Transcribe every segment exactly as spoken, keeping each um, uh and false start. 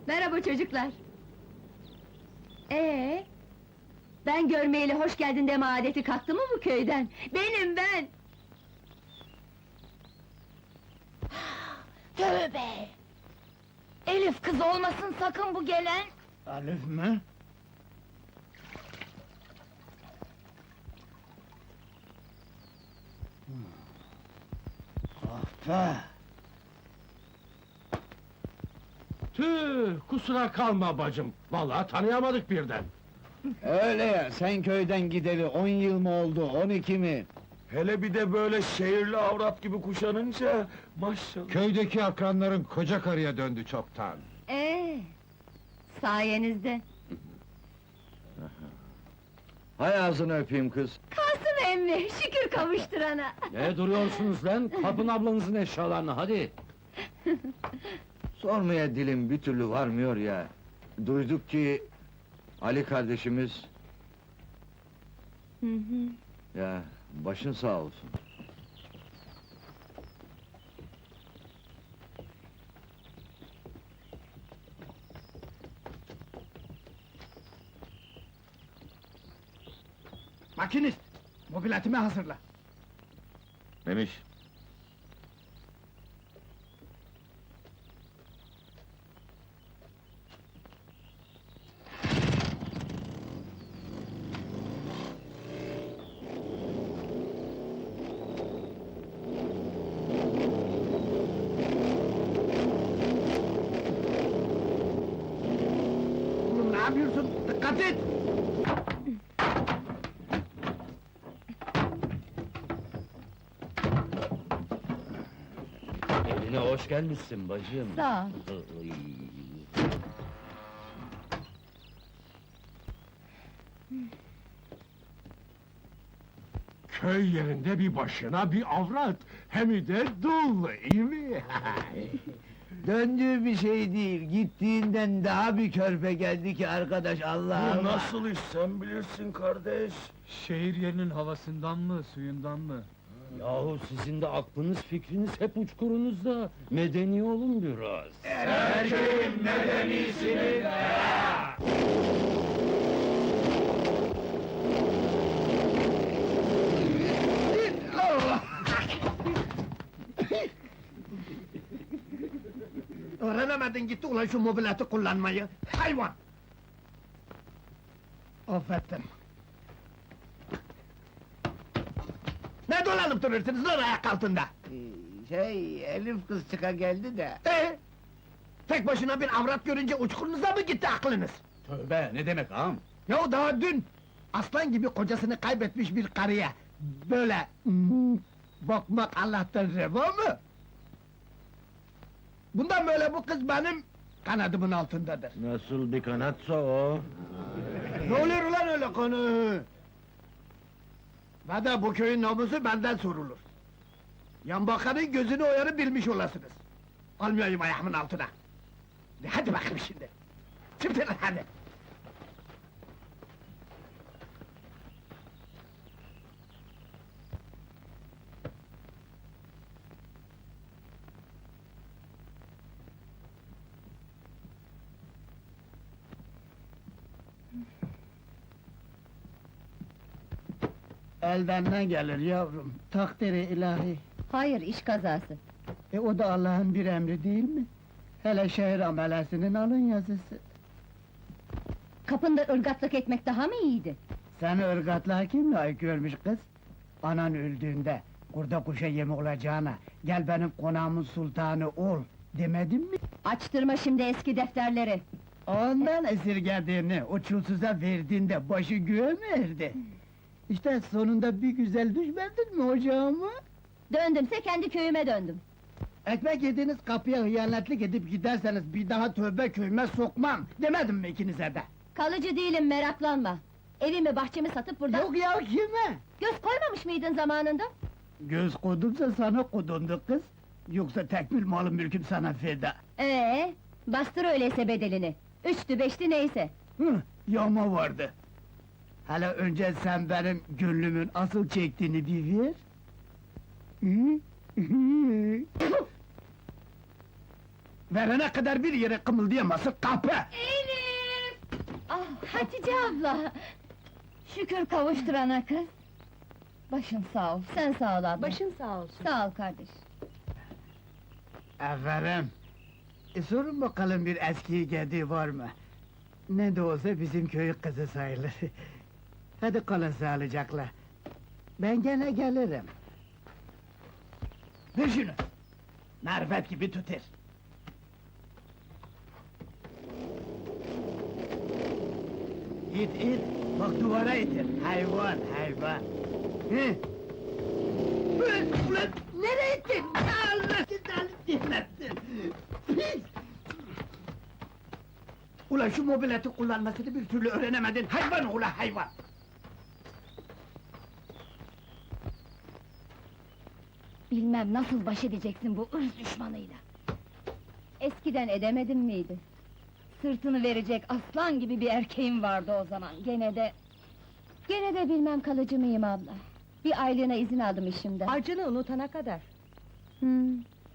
Merhaba çocuklar. Ee, ben görmeyeli hoş geldin deme adeti kalktı mı bu köyden? Benim ben! Tövbe! Elif kız olmasın sakın bu gelen! Alif mi? Kahpe! Tüh, kusura kalma bacım. Vallahi tanıyamadık birden. Öyle ya, sen köyden gideli on yıl mı oldu, on iki mi? Hele bir de böyle şehirli avrat gibi kuşanınca maşallah. Köydeki akranların koca karıya döndü çoktan. Ee, sayenizde. Hay ağzını öpeyim kız! Kalsın emmi, şükür kavuşturana! Ne duruyorsunuz lan? Kapın ablanızın eşyalarını, hadi! Sormaya dilim bir türlü varmıyor ya. Duyduk ki Ali kardeşimiz, Hı hı. ya başın sağ olsun. Makinist, mobiletimi hazırla. Memiş, Oğlum ne yapıyorsun? Dikkat et! Evine hoş gelmişsin bacım. Sağ ol. Iy. Köy yerinde bir başına bir avrat, hem de dul, iyi mi? Döndüğü bir şey değil, gittiğinden daha bir körpe geldi ki arkadaş, Allah bu Allah! nasıl iş sen bilirsin kardeş. Şehir yerinin havasından mı, suyundan mı? Yahu sizin de aklınız fikriniz hep uçkurunuzda. Medeni olun biraz. Öğrenemedin gitti ulan şu mobileti kullanmayı, hayvan! Affettim. Ne dolanıp duruyorsunuz lan ayak altında? Şey, Elif kız çıka geldi de... Ee? Tek başına bir avrat görünce uçkurunuza mı gitti aklınız? Tövbe, ne demek ağam? Ya daha dün, aslan gibi kocasını kaybetmiş bir karıya, böyle... hmm, bakmak Allah'tan reva mı? Bundan böyle bu kız benim kanadımın altındadır. Nasıl bir kanatsa o? Ne oluyor ulan öyle konu? Ve de bu köyün namusu benden sorulur. Yan bakanın gözünü oyarı bilmiş olasınız. Almayayım ayağımın altına. De hadi bakayım şimdi. Çıktın hadi. Elden ne gelir yavrum? Takdiri ilahi. Hayır, iş kazası. E o da Allah'ın bir emri değil mi? Hele şehir amelesinin alın yazısı. Kapında ırgatlık etmek daha mı iyiydi? Seni ırgatlığa kim layık görmüş kız? Anan öldüğünde, kurda kuşa yem olacağına, gel benim konağımın sultanı ol, demedim mi? Açtırma şimdi eski defterleri! Ondan esirgediğini, o çulsuza verdiğinde başı göğe mi erdi? İşte sonunda bir güzel düşmedin mi ocağıma? Döndümse kendi köyüme döndüm. Ekmek yediğiniz kapıya hıyanetlik edip giderseniz bir daha tövbe köyüme sokmam, demedim mi ikinize de? Kalıcı değilim, meraklanma! Evimi bahçemi satıp burada... Yok ya, kime? Göz koymamış mıydın zamanında? Göz kodumsa sana kodundu kız, yoksa tekmil malı mülküm sana feda. Ee, bastır öyleyse bedelini! Üçtü beşti neyse! Hı, yağma vardı. Hele önce sen benim gönlümün asıl çektiğini bir ver. Hı? Hı? Verene kadar bir yere kımıldayamasın, kahpe! Elif! Ah, Hatice abla! Şükür kavuşturana kız! Başın sağ ol, sen sağ ol abla. Başın sağ olsun. Sağ ol kardeş. Efendim, e, sorun bakalım bir eski geldiği var mı? Ne de olsa bizim köyün kızı sayılır. Hadi kalın sağlıcakla. Ben gene gelirim. Ver şunu! Marifet gibi tutar! İt it, bak duvara itir. Hayvan, hayvan. Hı? Ulan, ulan, nereye ittin? Allah cezanı versin! Pis! Ulan şu mobileti kullanmasını bir türlü öğrenemedin, hayvan ulan hayvan! Bilmem nasıl baş edeceksin bu ırz düşmanıyla. Eskiden edemedin miydi? Sırtını verecek aslan gibi bir erkeğim vardı o zaman, gene de... Gene de bilmem kalıcı mıyım abla. Bir aylığına izin aldım işimden. Acını unutana kadar. Hmm.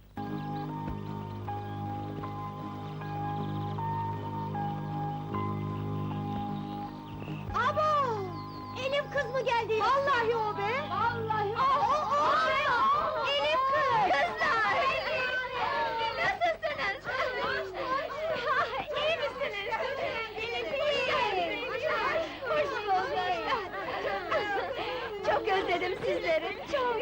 Abo! Elif kız mı geldi? Vallahi o be! Vallahi O, o, o be! Elif kız! Kızlar! Nasılsınız? İyi misiniz? Elif iyi! Hoş bulduk! Çok özledim sizleri, çok!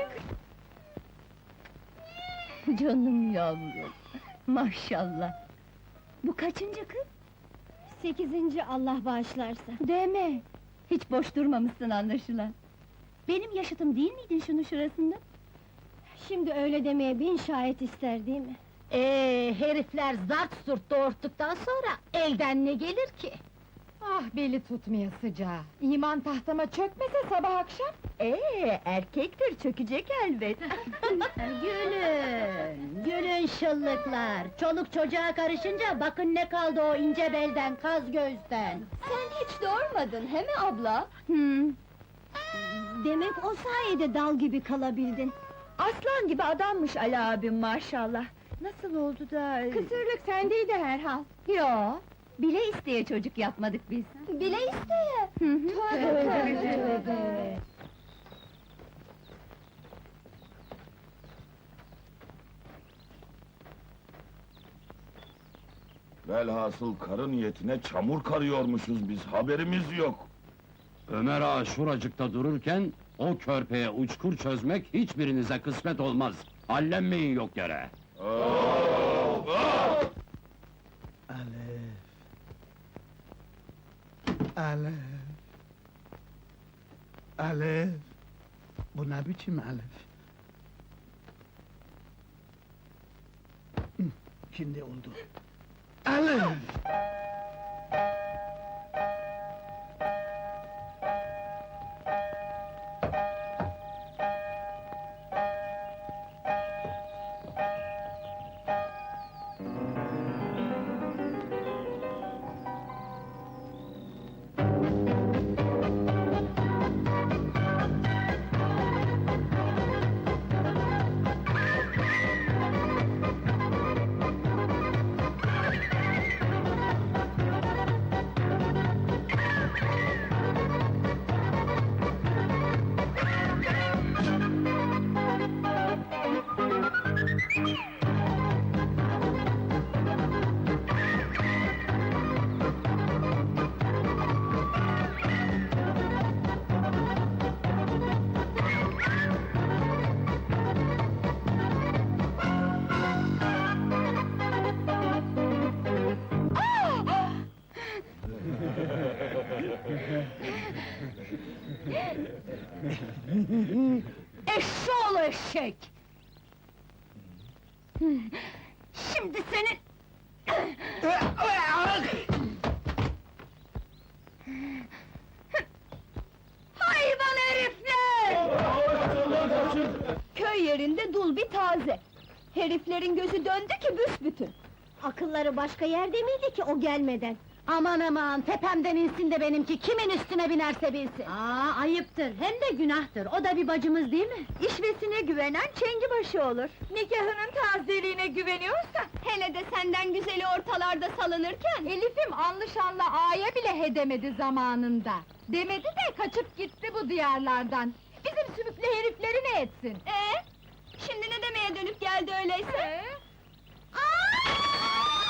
Canım yavrum, maşallah! Bu kaçıncı kız? Sekizinci Allah bağışlarsa. Deme! Hiç boş durmamışsın anlaşılan. Benim yaşıtım değil miydin şunun şurasında? Şimdi öyle demeye bin şahit ister değil mi? Ee, herifler zart surt doğurttuktan sonra elden ne gelir ki? Ah beli tutmaya sıcağı! İman tahtama çökmese sabah akşam! Ee, erkektir çökecek elbet. Gülün, gülün şıllıklar! Çoluk çocuğa karışınca bakın ne kaldı o ince belden, kaz gözden! Sen hiç doğurmadın, he mi abla? Hmm. Demek o sayede dal gibi kalabildin! Aslan gibi adammış Ali abim maşallah. Nasıl oldu da... Kısırlık sendeydi herhal! Yo, bile isteye çocuk yapmadık biz. Bile isteye! Tövbe tövbe! Velhasıl karı niyetine çamur karıyormuşuz biz, haberimiz yok. Ömer ağa şuracıkta dururken, o körpeye uçkur çözmek hiçbirinize kısmet olmaz. Hallenmeyin yok yere. Alef. Alef. Alef. Bu ne biçim Alef? Hı, şimdi oldu. Alef! Eşşoğlu eşek! Şimdi senin... Hayvan herifler! Köy yerinde dul bir taze! Heriflerin gözü döndü ki büsbütün! Akılları başka yerde miydi ki o gelmeden? Aman aman, tepemden insin de benimki, kimin üstüne binerse binsin! Aa, ayıptır, hem de günahtır, o da bir bacımız değil mi? İşvesine güvenen çengibaşı olur. Nikahının tazeliğine güveniyorsa, hele de senden güzeli ortalarda salınırken... Elif'im anlı şanlı ağaya bile hedemedi zamanında. Demedi de kaçıp gitti bu diyarlardan. Bizim sümüklü herifleri ne etsin? Ee? Şimdi ne demeye dönüp geldi öyleyse?